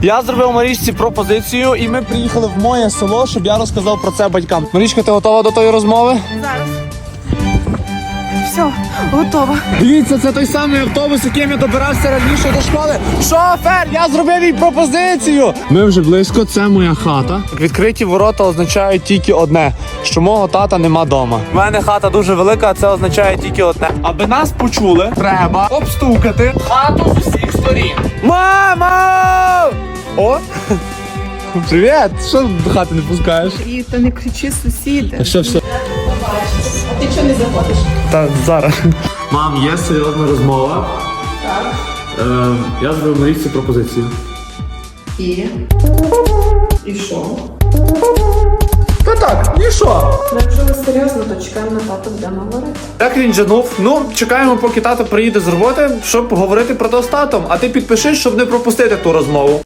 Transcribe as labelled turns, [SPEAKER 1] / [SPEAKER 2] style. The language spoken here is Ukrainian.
[SPEAKER 1] Я зробив Марічці пропозицію, і ми приїхали в моє село, щоб я розказав про це батькам. Марічка, ти готова до тої розмови?
[SPEAKER 2] Зараз. Все, готова.
[SPEAKER 1] Дивіться, це той самий автобус, яким я добирався раніше до школи. Шофер, я зробив їй пропозицію. Ми вже близько, це моя хата. Відкриті ворота означають тільки одне, що мого тата нема дома. У мене хата дуже велика, а це означає тільки одне. Аби нас почули, треба обстукати хату з усіх сторін. Мама! О! Привіт! Що до хати не пускаєш?
[SPEAKER 2] І та не кричи, сусіди.
[SPEAKER 1] Все.
[SPEAKER 2] Ти чого не заходиш?
[SPEAKER 1] Так, зараз. Мам, є серйозна розмова. Так. Я зробив Марічці пропозицію.
[SPEAKER 2] І що?
[SPEAKER 1] Та так, і що?
[SPEAKER 2] Якщо ви серйозно, то чекаємо на тата, будемо говорити.
[SPEAKER 1] Я крінжанув. Ну, чекаємо, поки тато приїде з роботи, щоб поговорити про то з татом. А ти підпишись, щоб не пропустити ту розмову.